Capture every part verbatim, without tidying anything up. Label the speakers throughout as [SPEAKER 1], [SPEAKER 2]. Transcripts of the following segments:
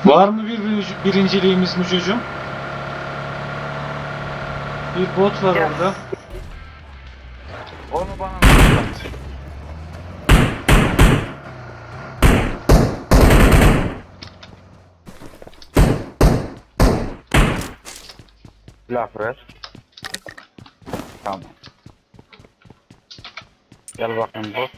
[SPEAKER 1] Var mı bir birinci, birinciliğimiz Mücocuğum? Bir bot var
[SPEAKER 2] Yes.
[SPEAKER 1] orada.
[SPEAKER 2] Onu bana anlat. Laf ver. Tamam. Gel bakayım bot.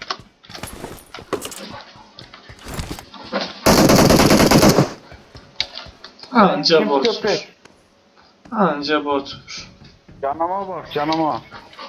[SPEAKER 1] Anca
[SPEAKER 2] Kim
[SPEAKER 1] botmuş.
[SPEAKER 2] köpek?
[SPEAKER 1] Anca botmuş.
[SPEAKER 2] Canıma bak canıma.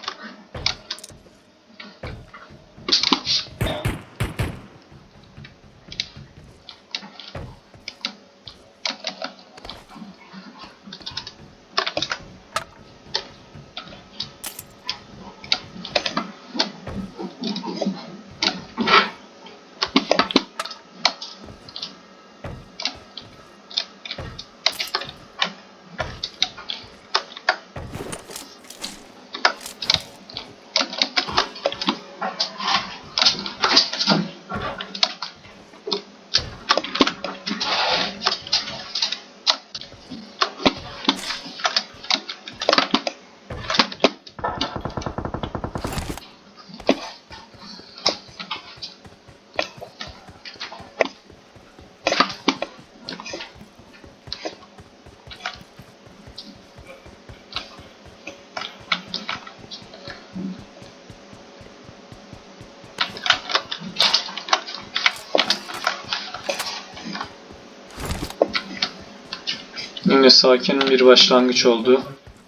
[SPEAKER 1] Yine sakin bir başlangıç oldu.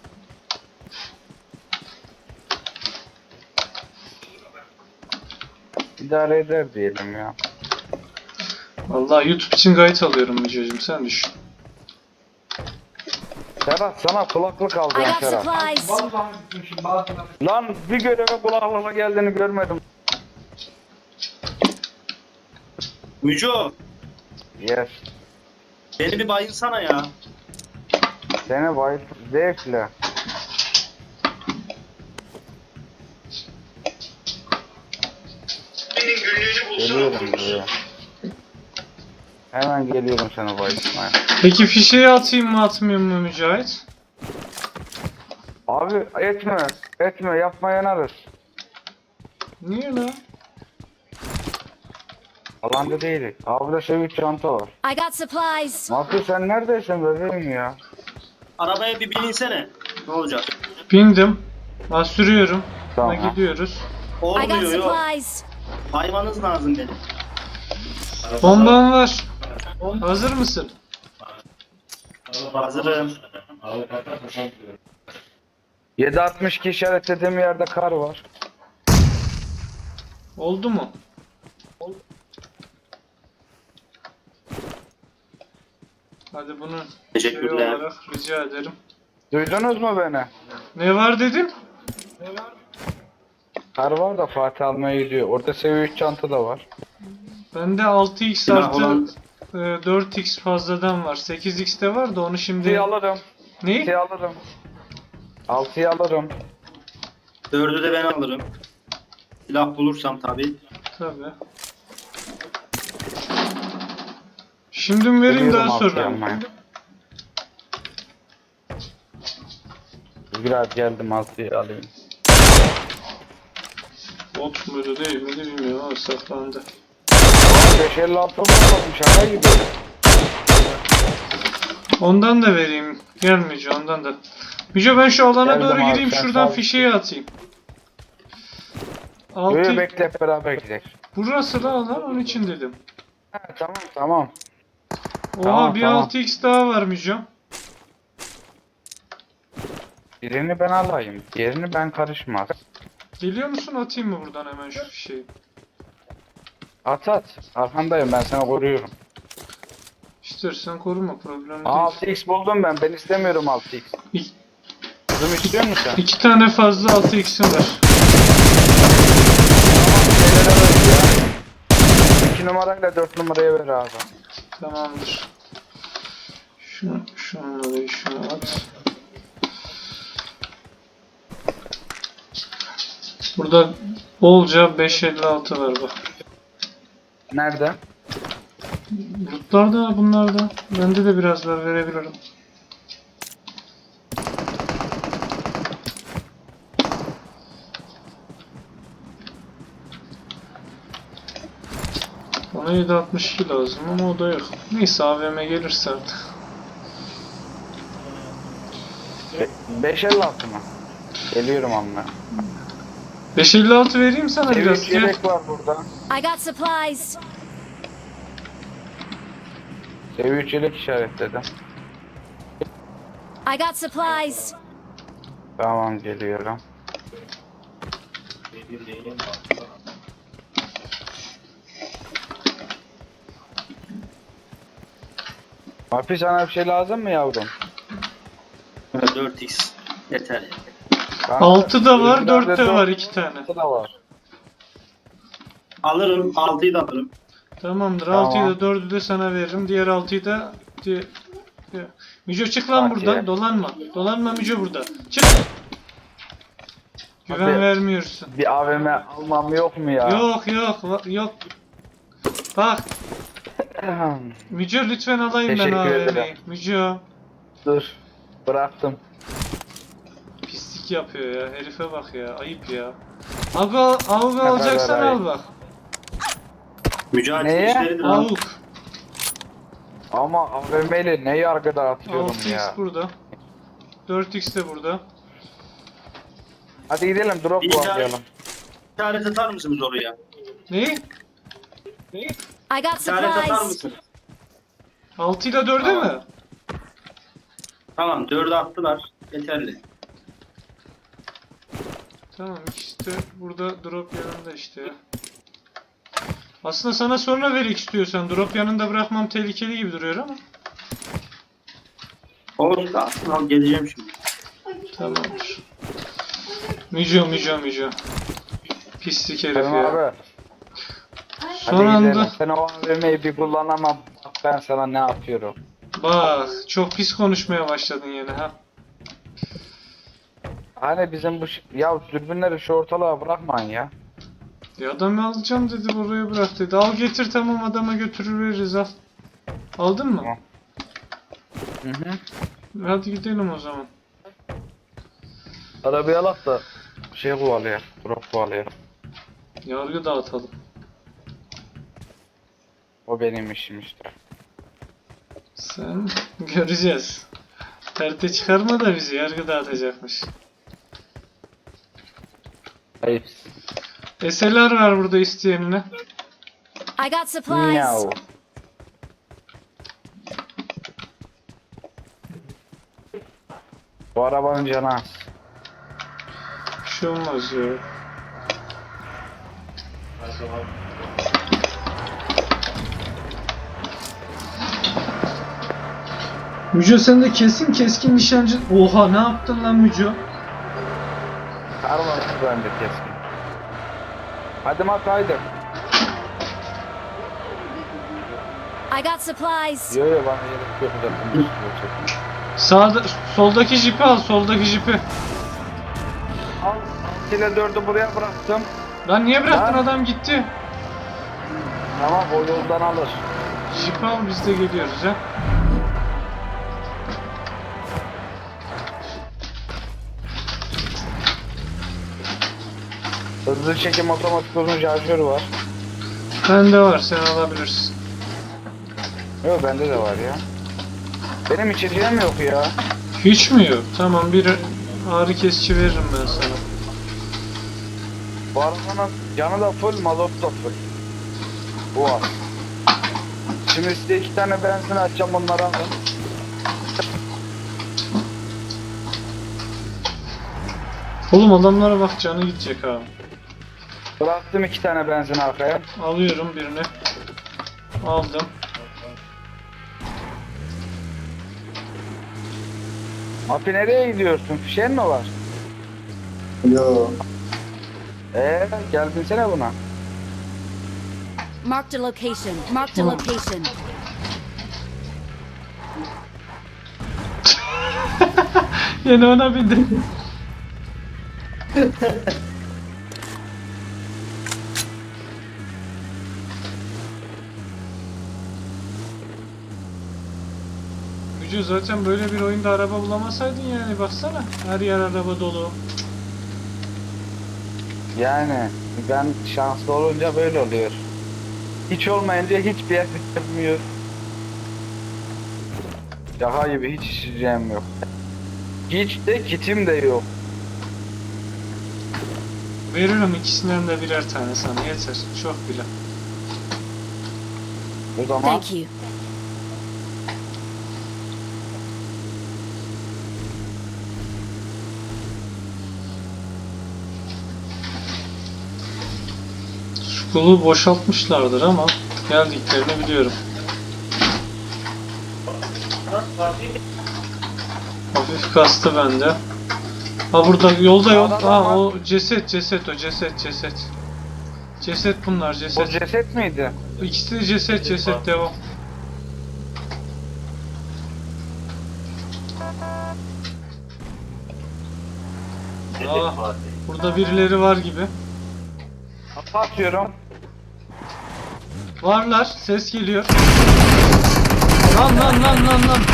[SPEAKER 2] İdare eder diyelim ya.
[SPEAKER 1] Vallahi YouTube için kayıt alıyorum Mücocuğum, sen düşün.
[SPEAKER 2] Serhat sana kulaklık
[SPEAKER 3] I
[SPEAKER 2] alacağım
[SPEAKER 3] got
[SPEAKER 2] Serhat.
[SPEAKER 3] supplies.
[SPEAKER 2] Lan bir göreve kulaklıkla geldiğini görmedim.
[SPEAKER 4] Müco,
[SPEAKER 2] Yes.
[SPEAKER 4] beni bir bayılsana ya.
[SPEAKER 2] Seni bayıl zevkle. Geliyorum buraya. Hemen geliyorum seni bayıltmaya.
[SPEAKER 1] Peki fişeği atayım mı atmayayım mı Mücahit?
[SPEAKER 2] Abi etme, etme yapma yanarız.
[SPEAKER 1] Niye lan?
[SPEAKER 2] Alanda değilik. Abi de şey bir çanta var.
[SPEAKER 3] I got supplies.
[SPEAKER 2] Mahfi sen neredesin bebeğim ya?
[SPEAKER 4] Arabaya bir binsene. Ne olacak?
[SPEAKER 1] Bindim. Ben sürüyorum.
[SPEAKER 2] Tamam.
[SPEAKER 1] Tamam. Gidiyoruz.
[SPEAKER 3] I got
[SPEAKER 4] Olmuyor yok.
[SPEAKER 3] supplies.
[SPEAKER 4] Baymanız lazım benim.
[SPEAKER 1] Bomban var. Hazır mısın?
[SPEAKER 4] Hazırım.
[SPEAKER 2] yedi altmış iki işaretlediğim yerde kar var.
[SPEAKER 1] Oldu mu? Hadi bunu şey
[SPEAKER 4] Teşekkürler.
[SPEAKER 1] olarak rica ederim.
[SPEAKER 2] Duydunuz mu beni?
[SPEAKER 1] Ne var dedin?
[SPEAKER 2] Kar var da Fatih almaya gidiyor. Orada seviye üç çanta da var.
[SPEAKER 1] Bende altı x
[SPEAKER 4] Silah
[SPEAKER 1] artı
[SPEAKER 4] olan-
[SPEAKER 1] e, dört x fazladan var. sekiz x de var da onu şimdi...
[SPEAKER 2] altıyı alırım.
[SPEAKER 1] Ne?
[SPEAKER 2] altıyı alırım. altıyı alırım.
[SPEAKER 4] Dördü de ben alırım. Silah bulursam tabii.
[SPEAKER 1] Tabii. Şimdi mi vereyim
[SPEAKER 2] Biliyorum
[SPEAKER 1] daha
[SPEAKER 2] altıyı
[SPEAKER 1] sonra mı?
[SPEAKER 2] almaya. Biraz geldim altıyı alayım.
[SPEAKER 1] Bot muydu değil miydi bilmiyorum ama saklandı.
[SPEAKER 2] beş elli altı mı alalım şaka gibi.
[SPEAKER 1] Ondan da vereyim. Gelmeyeceğim ondan da. Müce ben şu alana
[SPEAKER 2] Geldim
[SPEAKER 1] doğru
[SPEAKER 2] abi,
[SPEAKER 1] gireyim
[SPEAKER 2] sen
[SPEAKER 1] şuradan
[SPEAKER 2] sağ ol.
[SPEAKER 1] fişeği atayım.
[SPEAKER 2] Böyle
[SPEAKER 1] Altı...
[SPEAKER 2] bekle hep beraber gidelim.
[SPEAKER 1] Burası da alan onun için dedim.
[SPEAKER 2] Ha, tamam tamam.
[SPEAKER 1] Oha
[SPEAKER 2] Tamam,
[SPEAKER 1] bir
[SPEAKER 2] tamam.
[SPEAKER 1] altı x daha var Müce.
[SPEAKER 2] Birini ben alayım. Diğerini ben karışmaz.
[SPEAKER 1] Geliyor musun atayım mı buradan hemen şu fişeği?
[SPEAKER 2] At at. Arkandayım ben seni koruyorum.
[SPEAKER 1] İstersen koruma problem değil.
[SPEAKER 2] altı x buldum ben. Ben istemiyorum altı x.
[SPEAKER 1] İki,
[SPEAKER 2] Kızım istiyor musun sen?
[SPEAKER 1] iki tane fazla altı x'im var.
[SPEAKER 2] Şeylere ver ya. iki numarayla dört numaraya ver abi.
[SPEAKER 1] Tamamdır. Şunu, şunu, şunu at. Burada bolca beş elli altı var bak.
[SPEAKER 2] Nerede?
[SPEAKER 1] Lootlar da bunlar da. Bende de biraz var, verebilirim. Bana yedi altmış iki lazım ama o da yok. Neyse A V M gelirse artık.
[SPEAKER 2] beş elli altı mı? Geliyorum amma.
[SPEAKER 1] beş elli altı vereyim sana biraz.
[SPEAKER 2] Evet,
[SPEAKER 1] Gel.
[SPEAKER 2] yelek var burada.
[SPEAKER 3] I got supplies.
[SPEAKER 2] Seviye üç yelek işaretledim.
[SPEAKER 3] I got supplies.
[SPEAKER 2] Tamam, geliyorum. Mafi, sana bir şey lazım mı yavrum?
[SPEAKER 4] dört x yeter.
[SPEAKER 2] Kanka,
[SPEAKER 1] altı da var,
[SPEAKER 2] öbürlerde
[SPEAKER 1] dört de
[SPEAKER 2] dört-
[SPEAKER 1] var, iki tane.
[SPEAKER 2] altı da var.
[SPEAKER 4] Alırım. altıyı da alırım.
[SPEAKER 1] Tamamdır.
[SPEAKER 2] Tamam.
[SPEAKER 1] altıyı da dördü de sana veririm. Diğer altıyı da di- di- Müco çık lan
[SPEAKER 2] Okey.
[SPEAKER 1] buradan. Dolanma. Dolanma Müco burada. Çık. Güven
[SPEAKER 2] Abi.
[SPEAKER 1] vermiyorsun.
[SPEAKER 2] Bir A V M almam yok mu ya?
[SPEAKER 1] Yok yok va- yok. Bak Müco lütfen alayım ben
[SPEAKER 2] Teşekkür
[SPEAKER 1] A V M'yi.
[SPEAKER 2] ederim.
[SPEAKER 1] Müco
[SPEAKER 2] Dur. Bıraktım.
[SPEAKER 1] pislik yapıyor ya. Herife bak ya. Ayıp ya. Avga, avga
[SPEAKER 2] ver,
[SPEAKER 1] alacaksan
[SPEAKER 2] ver,
[SPEAKER 1] al
[SPEAKER 2] ayıp.
[SPEAKER 1] bak.
[SPEAKER 4] Mücahit
[SPEAKER 2] Neye?
[SPEAKER 4] işleridir abi.
[SPEAKER 1] Avuk.
[SPEAKER 2] Ama A V M ile ne yargıda atıyorum
[SPEAKER 1] altı x
[SPEAKER 2] ya.
[SPEAKER 1] burada. dört x de burada.
[SPEAKER 2] Hadi gidelim, drop
[SPEAKER 4] Bir
[SPEAKER 2] kullanalım.
[SPEAKER 4] İşaret atar mısınız oraya?
[SPEAKER 1] Neyi? Neyi?
[SPEAKER 3] I got
[SPEAKER 4] İşaret atar
[SPEAKER 3] supplies.
[SPEAKER 4] mısınız?
[SPEAKER 1] altı ile dördü
[SPEAKER 4] Tamam.
[SPEAKER 1] mü?
[SPEAKER 4] Tamam, dördü attılar. Yeterli.
[SPEAKER 1] Tamam işte burada drop yanında işte ya. Aslında sana sonra verik istiyorsan drop yanında bırakmam tehlikeli gibi duruyor ama.
[SPEAKER 4] Olsun da aslında al, geleceğim şimdi.
[SPEAKER 1] Tamamdır. Müco müco müco. Pislik herif
[SPEAKER 2] Tamam
[SPEAKER 1] ya.
[SPEAKER 2] abi.
[SPEAKER 1] Son
[SPEAKER 2] Hadi gidelim.
[SPEAKER 1] anda
[SPEAKER 2] Sen o A V M'yi bir kullanamam. Bak ben sana ne yapıyorum.
[SPEAKER 1] bak çok pis konuşmaya başladın yine ha.
[SPEAKER 2] Hani bizim bu ş- ya dürbünleri şu ortalığa bırakmayın ya.
[SPEAKER 1] Ya adam alacağım dedi buraya bırak dedi. Al getir tamam adama götürür veririz al. Aldın mı?
[SPEAKER 2] Tamam. Hı hı.
[SPEAKER 1] Hadi gidelim o zaman.
[SPEAKER 2] Arabayı alak da şey kovalıyor. Drop kovalıyor.
[SPEAKER 1] Yargı dağıtalım.
[SPEAKER 2] O benim işim işte.
[SPEAKER 1] Sen göreceğiz. Perte çıkarma da bizi yargı dağıtacakmış.
[SPEAKER 2] Ayıp.
[SPEAKER 1] S L R var burada isteyenine.
[SPEAKER 3] I got supplies.
[SPEAKER 2] Miau. Bu arabanın canı az.
[SPEAKER 1] Bir şey olmaz ya. Müco sen de kesin keskin nişancı... Oha ne yaptın lan Müco?
[SPEAKER 2] Karma bende keskin. Hadi mat haydi.
[SPEAKER 3] I got supplies.
[SPEAKER 2] Yo yo bana gerek yok zaten. Bir sürü çekim.
[SPEAKER 1] Sağda, soldaki jipi al, soldaki jipi.
[SPEAKER 2] Al. altı ile dördü buraya bıraktım.
[SPEAKER 1] Lan niye bıraktın
[SPEAKER 2] Lan.
[SPEAKER 1] adam gitti.
[SPEAKER 2] Tamam, o yoldan alır.
[SPEAKER 1] Jipi al biz de geliyoruz ha.
[SPEAKER 2] Hızlı çekim otomatik uzun şarjörü var.
[SPEAKER 1] Bende var sen alabilirsin.
[SPEAKER 2] Yok bende de var ya. Benim içeceğim yok ya.
[SPEAKER 1] Hiç mi yok? Tamam bir ağrı kesici veririm ben sana.
[SPEAKER 2] Bu arabanın canı da full, mazot da full. Bu var. Şimdi size iki tane benzin açacağım, onları alın.
[SPEAKER 1] Oğlum adamlara bak canı gidecek abi.
[SPEAKER 2] Bıraktım iki tane benzin arkaya.
[SPEAKER 1] Alıyorum birini. Aldım.
[SPEAKER 2] Api nereye gidiyorsun? Fişen mi var?
[SPEAKER 4] Yo.
[SPEAKER 2] Eee gel binsene buna.
[SPEAKER 3] Marked a location. Marked a location.
[SPEAKER 1] Yine ona bindim. Müco zaten böyle bir oyunda araba bulamasaydın yani baksana. Her yer araba dolu.
[SPEAKER 2] Yani ben şanslı olunca böyle oluyor. Hiç olmayınca hiçbir yer bitirmiyor. Daha gibi hiç işleyeceğim yok. Hiç de kitim de yok.
[SPEAKER 1] Veririm ikisinden de birer tane sana yeter. Çok bile.
[SPEAKER 2] O zaman
[SPEAKER 3] Thank you.
[SPEAKER 1] Şu kulu boşaltmışlardır ama geldiklerini biliyorum. Hafif kastı bende. Ha burada yolda yol.
[SPEAKER 2] Sağda
[SPEAKER 1] Ha
[SPEAKER 2] adam
[SPEAKER 1] o ceset ceset o ceset ceset. Ceset bunlar
[SPEAKER 2] o
[SPEAKER 1] ceset.
[SPEAKER 2] ceset miydi?
[SPEAKER 1] İkisi de ceset ceset devam. Aa, burada birileri var gibi.
[SPEAKER 2] Kafa atıyorum.
[SPEAKER 1] Varlar, ses geliyor. Lan lan lan lan lan.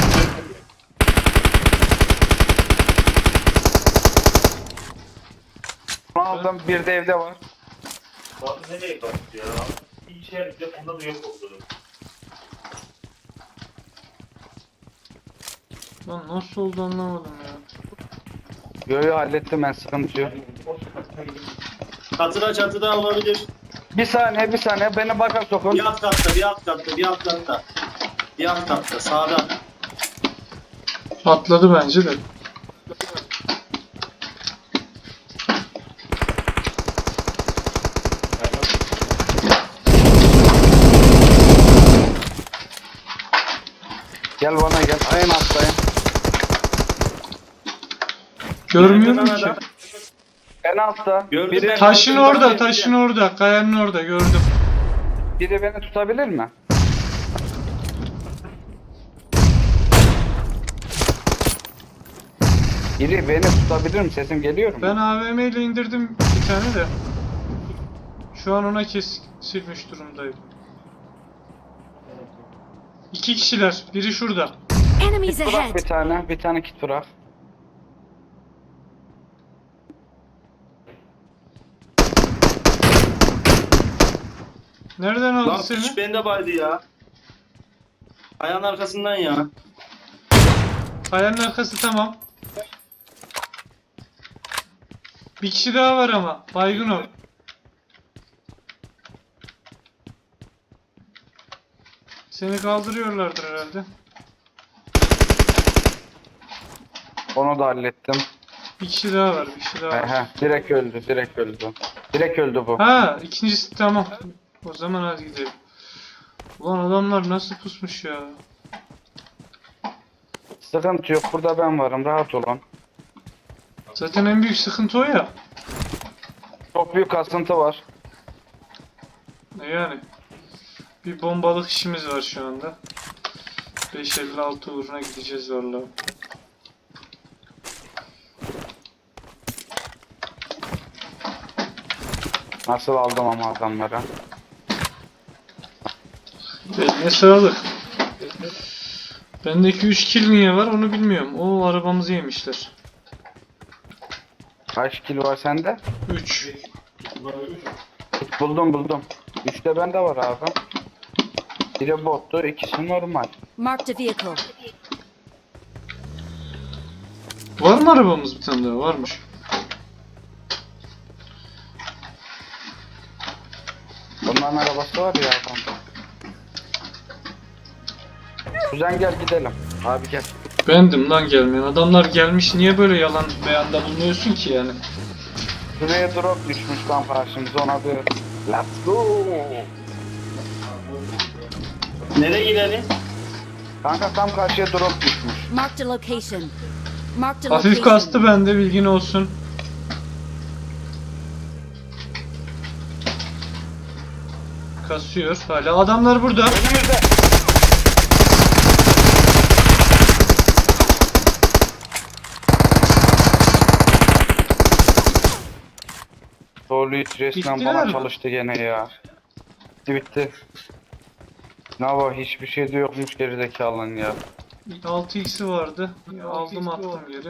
[SPEAKER 2] Bunu aldım. Bir de evde var.
[SPEAKER 5] Abi nereye kaçtı ya? Bir işe yarayacak onda da yok oldu.
[SPEAKER 1] Lan nasıl oldu anlamadım ya.
[SPEAKER 2] Yo yo hallettim ben, sıkıntı yok.
[SPEAKER 4] Çatıda çatıda olabilir.
[SPEAKER 2] Bir saniye bir saniye beni baka sokun.
[SPEAKER 4] Bir alt katta, bir alt katta, bir alt katta. Bir alt katta, sağda.
[SPEAKER 1] Atladı bence de.
[SPEAKER 2] Gel bana gel. Aynen atlayın.
[SPEAKER 1] Görmüyorum
[SPEAKER 4] Nerede lan
[SPEAKER 1] ki.
[SPEAKER 4] adam?
[SPEAKER 2] En altta.
[SPEAKER 4] Gördüm
[SPEAKER 2] Biri,
[SPEAKER 4] ben.
[SPEAKER 1] Taşın orada, taşın orada, kayanın orada gördüm.
[SPEAKER 2] biri beni tutabilir mi? Biri beni tutabilir mi? Sesim geliyor mu?
[SPEAKER 1] Ben A V M ile indirdim bir tane de. Şu an ona kesilmiş durumdayım. İki kişiler, biri şurada.
[SPEAKER 3] Enemies
[SPEAKER 2] Bırak
[SPEAKER 3] ahead.
[SPEAKER 2] bir tane. Bir tane kit bırak.
[SPEAKER 1] Nereden aldı
[SPEAKER 4] Lan
[SPEAKER 1] seni?
[SPEAKER 4] piç bende baydı ya. Ayağın arkasından ya.
[SPEAKER 1] Kayanın arkası tamam. Bir kişi daha var ama. Baygın o. Seni kaldırıyorlardır herhalde.
[SPEAKER 2] Onu da hallettim.
[SPEAKER 1] Bir kişi daha var, bir kişi daha var.
[SPEAKER 2] Ehe, direkt öldü, direkt öldü. Direkt öldü bu.
[SPEAKER 1] Ha, ikincisi tamam. O zaman hadi gidelim. Ulan adamlar nasıl pusmuş ya.
[SPEAKER 2] Sıkıntı yok, burada ben varım, rahat olun.
[SPEAKER 1] Zaten en büyük sıkıntı o ya.
[SPEAKER 2] Çok büyük kasıntı var.
[SPEAKER 1] E Yani. Bir bombalık işimiz var şu anda. beş elli altı uğruna gideceğiz vallahi.
[SPEAKER 2] Nasıl aldım ama adamları.
[SPEAKER 1] Eline sağlık. Bendeki üç kill niye var onu bilmiyorum. O arabamızı yemişler.
[SPEAKER 2] Kaç kill var sende?
[SPEAKER 1] üç.
[SPEAKER 2] Buldum buldum. Üçte bende var abi. Biri bottu, ikisi normal.
[SPEAKER 3] Marked a vehicle.
[SPEAKER 1] Var mı arabamız bir tane daha? Varmış.
[SPEAKER 2] Bunların arabası var ya adam. Kuzen gel gidelim. Abi gel.
[SPEAKER 1] Bendim lan gelmeyen. Adamlar gelmiş niye böyle yalan beyanda bulunuyorsun ki yani?
[SPEAKER 2] Şuraya drop düşmüş tam karşımıza, ona bir let's go.
[SPEAKER 4] Nereye gidelim?
[SPEAKER 2] Kanka tam karşıya drop düşmüş.
[SPEAKER 3] Marked a location. Marked a
[SPEAKER 1] Hafif
[SPEAKER 3] location.
[SPEAKER 1] kastı bende bilgin olsun. Kasıyor hala. Adamlar burada.
[SPEAKER 2] Önümüzde. Doğru hiç resmen
[SPEAKER 1] Bittiler
[SPEAKER 2] bana
[SPEAKER 1] mi?
[SPEAKER 2] çalıştı gene ya. Bitti bitti. Ne var, hiçbir şey de yokmuş gerizekalının ya.
[SPEAKER 1] altı x'i vardı. Ya, aldım attım geri.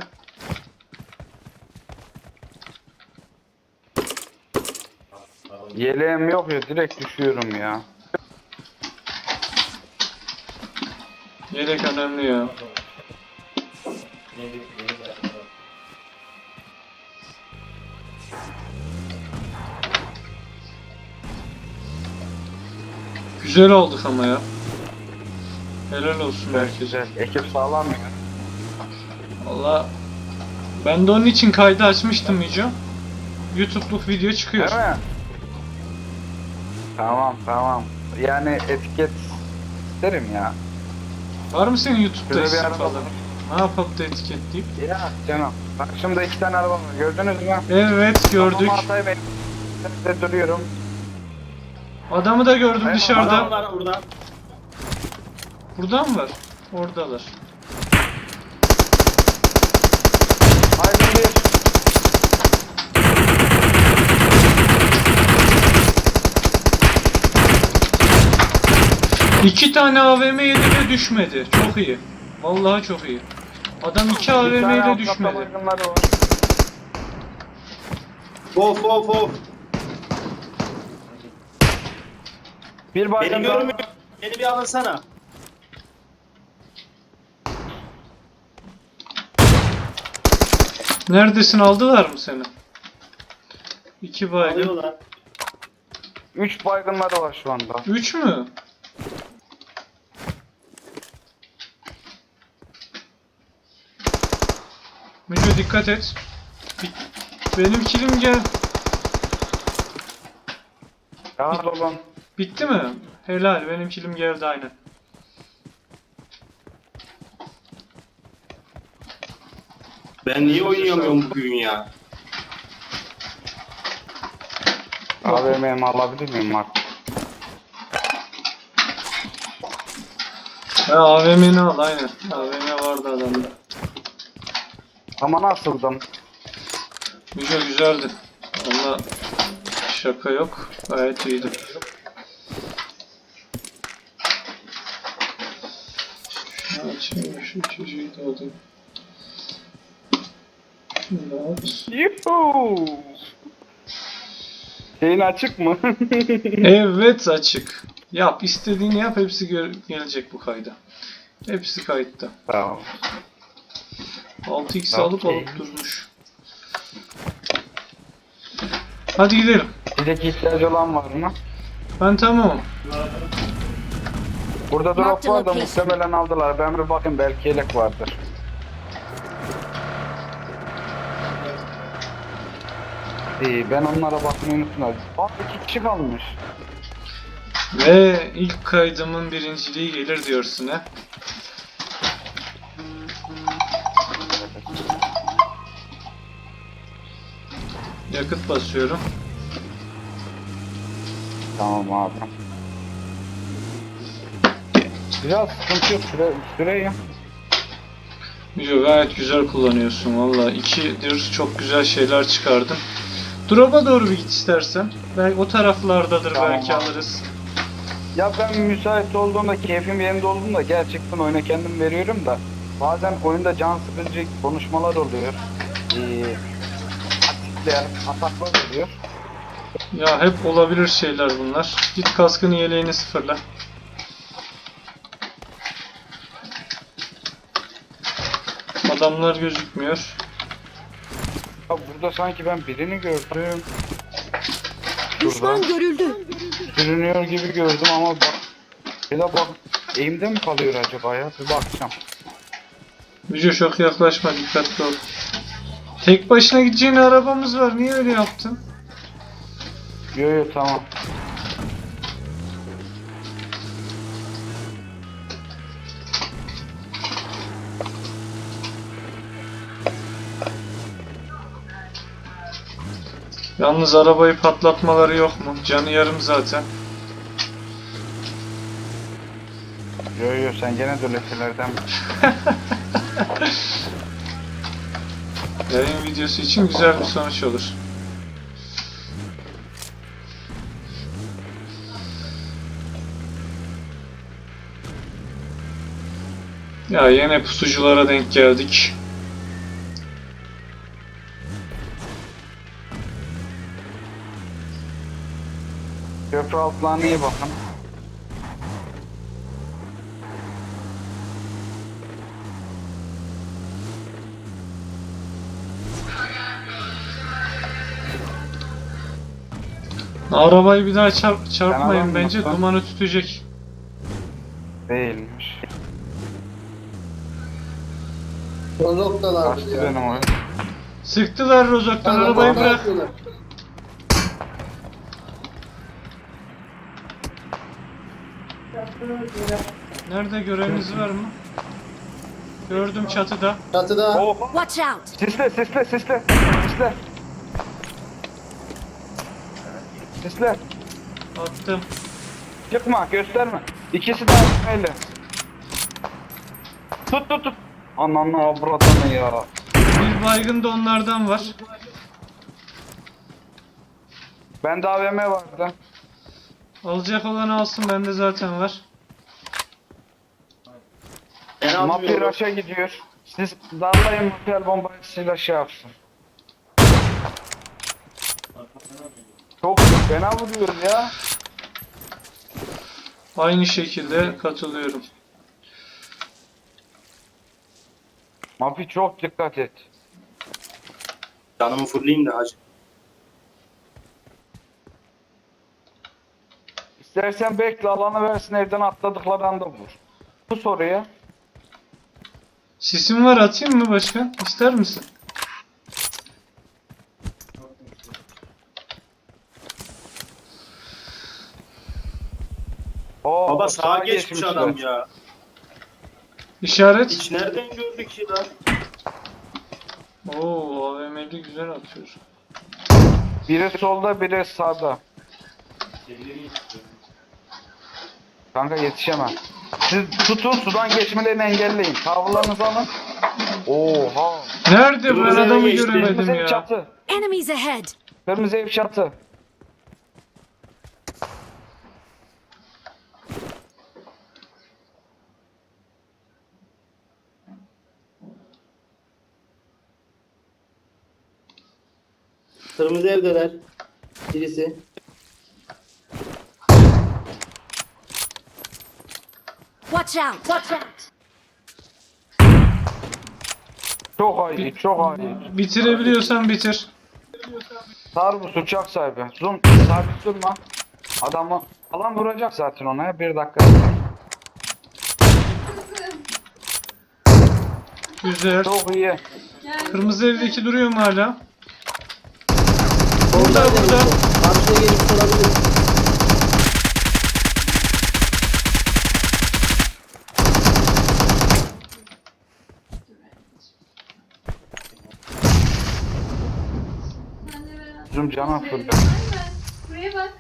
[SPEAKER 2] Yeleğim yok ya, direkt düşüyorum ya.
[SPEAKER 1] Yelek önemli ya.
[SPEAKER 5] Yeni yeni bir
[SPEAKER 1] Güzel olduk ama ya. Helal olsun herkese.
[SPEAKER 2] Güzel. Ekip sağlam ya.
[SPEAKER 1] Valla ben de onun için kaydı açmıştım Yüce. YouTube'luk video çıkıyor.
[SPEAKER 2] Değil mi? Tamam tamam. Yani etiket isterim ya.
[SPEAKER 1] Var mı senin YouTube'da
[SPEAKER 2] Şöyle bir
[SPEAKER 1] isim
[SPEAKER 2] araba
[SPEAKER 1] falan?
[SPEAKER 2] var.
[SPEAKER 1] Ne yapıp da etiketleyip?
[SPEAKER 2] Ya canım. Bak şimdi iki tane araba var. Gördünüz mü?
[SPEAKER 1] Evet gördük.
[SPEAKER 2] Kafamı atayım, elimde duruyorum.
[SPEAKER 1] Adamı da gördüm
[SPEAKER 2] Hayır,
[SPEAKER 1] dışarıda.
[SPEAKER 4] Adam var burada.
[SPEAKER 1] Burada mı var? Oradalar.
[SPEAKER 2] Haydi bir.
[SPEAKER 1] İki tane A V M yedi ve düşmedi. Çok iyi. Vallahi çok iyi. Adam iki
[SPEAKER 2] Bir
[SPEAKER 1] A V M
[SPEAKER 2] tane
[SPEAKER 1] ile
[SPEAKER 2] alt
[SPEAKER 1] düşmedi.
[SPEAKER 2] katta baygınları var.
[SPEAKER 4] Of of of.
[SPEAKER 2] Bir
[SPEAKER 4] Beni
[SPEAKER 2] baygın daha.
[SPEAKER 4] görmüyor. Beni bir alınsana.
[SPEAKER 1] Neredesin, aldılar mı seni? İki baygın.
[SPEAKER 4] Alıyorlar.
[SPEAKER 2] Üç baygınları var şu anda.
[SPEAKER 1] Üç mü? Müco dikkat et. Bi- Benim kilim gel.
[SPEAKER 2] Rahat olun.
[SPEAKER 1] Bitti mi? Helal, benim kilim geldi aynen.
[SPEAKER 4] Ben niye oynayamıyorum bugün ya?
[SPEAKER 2] A V M'mi alabilir miyim Mark?
[SPEAKER 1] Ha, A V M'ni al aynen. A V M vardı adamda.
[SPEAKER 2] Ama nasıldım?
[SPEAKER 1] Müco güzeldi. Ama şaka yok. Gayet iyiydi. Şunu açayım, şu çocuğu da alayım. Şunu da at.
[SPEAKER 2] Yuhuu! Şeyin açık mı?
[SPEAKER 1] Evet açık. Yap, istediğini yap, hepsi gö- gelecek bu kayda. Hepsi kayıtta.
[SPEAKER 2] Tamam.
[SPEAKER 1] altı x alıp
[SPEAKER 2] Okey.
[SPEAKER 1] alıp durmuş. Hadi gidelim.
[SPEAKER 2] Bizdeki ihtiyacı olan var mı?
[SPEAKER 1] Ben tamamım.
[SPEAKER 2] Burada
[SPEAKER 3] Mark
[SPEAKER 2] drop
[SPEAKER 3] the
[SPEAKER 2] var da
[SPEAKER 3] location.
[SPEAKER 2] muhtemelen aldılar. Ben bir bakayım, belki yelek vardır. İyi, ben onlara bakmayı unuttum. Bak iki kişi kalmış.
[SPEAKER 1] Ve ilk kaydımın birinciliği gelir diyorsun ha. Yakıt basıyorum.
[SPEAKER 2] Tamam abi. Biraz sıkıntı yok. Süre, süreyi.
[SPEAKER 1] Yo, gayet güzel kullanıyorsun valla. İkidir çok güzel şeyler çıkardın. Drop'a doğru bir git istersen. Belki o taraflardadır,
[SPEAKER 2] Tamam
[SPEAKER 1] belki
[SPEAKER 2] abi.
[SPEAKER 1] alırız.
[SPEAKER 2] Ya ben müsait olduğumda, keyfim yerinde olduğumda gerçekten oyuna kendim veriyorum da bazen oyunda can sıkıcı konuşmalar oluyor. Ee, atikler, ataklar oluyor.
[SPEAKER 1] Ya hep olabilir şeyler bunlar. Git kaskını yeleğini sıfırla. Adamlar gözükmüyor.
[SPEAKER 2] Ya burada sanki ben birini gördüm.
[SPEAKER 3] Düşman
[SPEAKER 2] Şurada
[SPEAKER 3] görüldü.
[SPEAKER 2] sürünüyor gibi gördüm ama bak. Ya da bak, eğimde mi kalıyor acaba ya? Bir bakacağım.
[SPEAKER 1] Müce çok yaklaşma, dikkatli ol. Tek başına gideceğin arabamız var. Niye öyle yaptın?
[SPEAKER 2] Yo yo tamam.
[SPEAKER 1] Yalnız arabayı patlatmaları yok mu? Canı yarım zaten.
[SPEAKER 2] Yo yo sen gene de lekelerden.
[SPEAKER 1] Yayın videosu için güzel bir sonuç olur. Ya yine pusuculara denk geldik.
[SPEAKER 2] Köprü altlarına iyi bakın.
[SPEAKER 1] Arabayı bir daha çarp çarpmayın
[SPEAKER 2] alalım
[SPEAKER 1] bence,
[SPEAKER 2] lütfen.
[SPEAKER 1] dumanı tütecek.
[SPEAKER 2] Değilmiş.
[SPEAKER 3] Rozoktalar
[SPEAKER 2] Kaçtı
[SPEAKER 3] ya.
[SPEAKER 2] benim oyun.
[SPEAKER 1] Sıktılar Rozok'tan,
[SPEAKER 3] Bana
[SPEAKER 1] arabayı
[SPEAKER 3] bomba
[SPEAKER 1] bırak.
[SPEAKER 3] atıyorlar.
[SPEAKER 1] Nerede, göreniniz var mı? Gördüm çatıda.
[SPEAKER 3] Çatıda.
[SPEAKER 2] Oha!
[SPEAKER 6] Watch out!
[SPEAKER 2] Sisle sisle sisle. Sisle. Sisle.
[SPEAKER 1] Attım.
[SPEAKER 2] Çıkma, gösterme. İkisi de aynı. Tut tut tut. Ananı avradanı ya.
[SPEAKER 1] Bir baygın da onlardan var.
[SPEAKER 2] Bende A V M vardı.
[SPEAKER 1] Alacak olan alsın, bende zaten var.
[SPEAKER 4] Ben
[SPEAKER 2] Mafya
[SPEAKER 4] almıyorum.
[SPEAKER 2] aşağı gidiyor. Siz darlayın mafya bombayı silah şey yapsın. Çok fena vuruyor ya.
[SPEAKER 1] Aynı şekilde katılıyorum.
[SPEAKER 2] Mafya çok dikkat et.
[SPEAKER 4] Canımı fırlayayım da hacı.
[SPEAKER 2] İstersen bekle, alanı versin, evden atladıkları anda vur. Bu soruya.
[SPEAKER 1] Sisim var, atayım mı başkan? İster misin?
[SPEAKER 2] Oo,
[SPEAKER 4] Baba sağa geçmiş
[SPEAKER 2] geçmişler.
[SPEAKER 4] adam ya.
[SPEAKER 1] İşaret.
[SPEAKER 4] Hiç nereden gördük ki lan?
[SPEAKER 1] Oo, A V M'li güzel atıyor.
[SPEAKER 2] Biri solda, biri sağda. Kanka yetişemem. Siz tutun, sudan geçmelerini engelleyin. Tavırlarınızı alın. Oha.
[SPEAKER 1] Nerede, ben
[SPEAKER 4] Kırmızı
[SPEAKER 1] adamı
[SPEAKER 4] eve geçti.
[SPEAKER 1] göremedim
[SPEAKER 2] Kırmızı ev
[SPEAKER 1] ya.
[SPEAKER 2] çatı.
[SPEAKER 6] Enemies ahead!
[SPEAKER 2] Kırmızı ev çatı.
[SPEAKER 3] Kırmızı evdeler. Birisi.
[SPEAKER 6] Watch out! Watch out!
[SPEAKER 2] Çok iyi, çok iyi.
[SPEAKER 1] Bitirebiliyorsan bitir.
[SPEAKER 2] Sarbus uçak sahibi. Zoom, sabit durma. Adamı alan vuracak zaten ona ya. Bir dakika.
[SPEAKER 1] Güzel.
[SPEAKER 2] Çok iyi.
[SPEAKER 1] Kırmızı evdeki duruyor mu hala?
[SPEAKER 3] Burada
[SPEAKER 1] burada.
[SPEAKER 3] Karşıya gelip olabilir.
[SPEAKER 2] Zoom cana fırlıyor.
[SPEAKER 7] Buraya bak.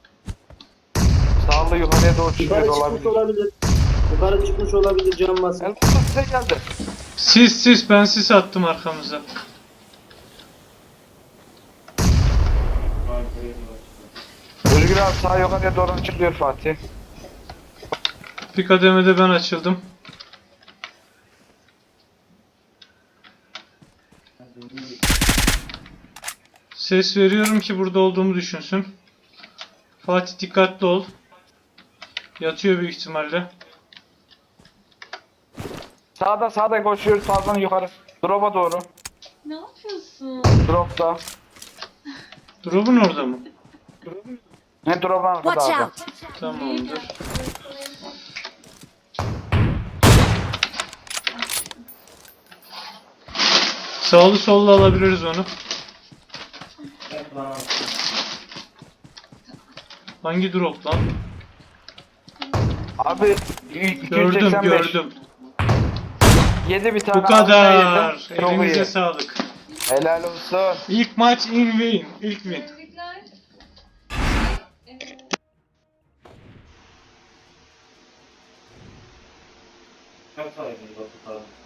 [SPEAKER 2] Sağlı yukarıya doğru çıkıyor
[SPEAKER 3] Yukarı çıkmış
[SPEAKER 2] olabilir.
[SPEAKER 3] olabilir. Yukarı çıkmış olabilir can basın.
[SPEAKER 2] El kutu size geldi.
[SPEAKER 1] Sis sis, ben sis attım arkamıza.
[SPEAKER 2] Özgür abi sağ yukarıya doğru çıkıyor Fatih.
[SPEAKER 1] Bir kademede ben açıldım. Ses veriyorum ki burada olduğumu düşünsün. Fatih dikkatli ol. Yatıyor büyük ihtimalle.
[SPEAKER 2] Sağda sağda koşuyor sağdan yukarı. Drop'a doğru.
[SPEAKER 7] Ne yapıyorsun?
[SPEAKER 2] Drop'ta.
[SPEAKER 1] Drop'un orada mı?
[SPEAKER 2] Ne drop'un arkada
[SPEAKER 6] Watch
[SPEAKER 2] abi.
[SPEAKER 6] out!
[SPEAKER 1] Tamamdır. Sağlı sollu alabiliriz onu. Hangi drop lan?
[SPEAKER 2] Abi iki yüz
[SPEAKER 1] Gördüm
[SPEAKER 2] seksen beş.
[SPEAKER 1] gördüm.
[SPEAKER 2] Yedi bir tane.
[SPEAKER 1] Bu kadar.
[SPEAKER 2] altına yedim. Çok
[SPEAKER 1] Elinize
[SPEAKER 2] iyi.
[SPEAKER 1] sağlık.
[SPEAKER 2] Helal olsun.
[SPEAKER 1] İlk maç in win. İlk win.
[SPEAKER 7] Tebrikler. Evet.
[SPEAKER 5] Kaç saydınız Batu abi?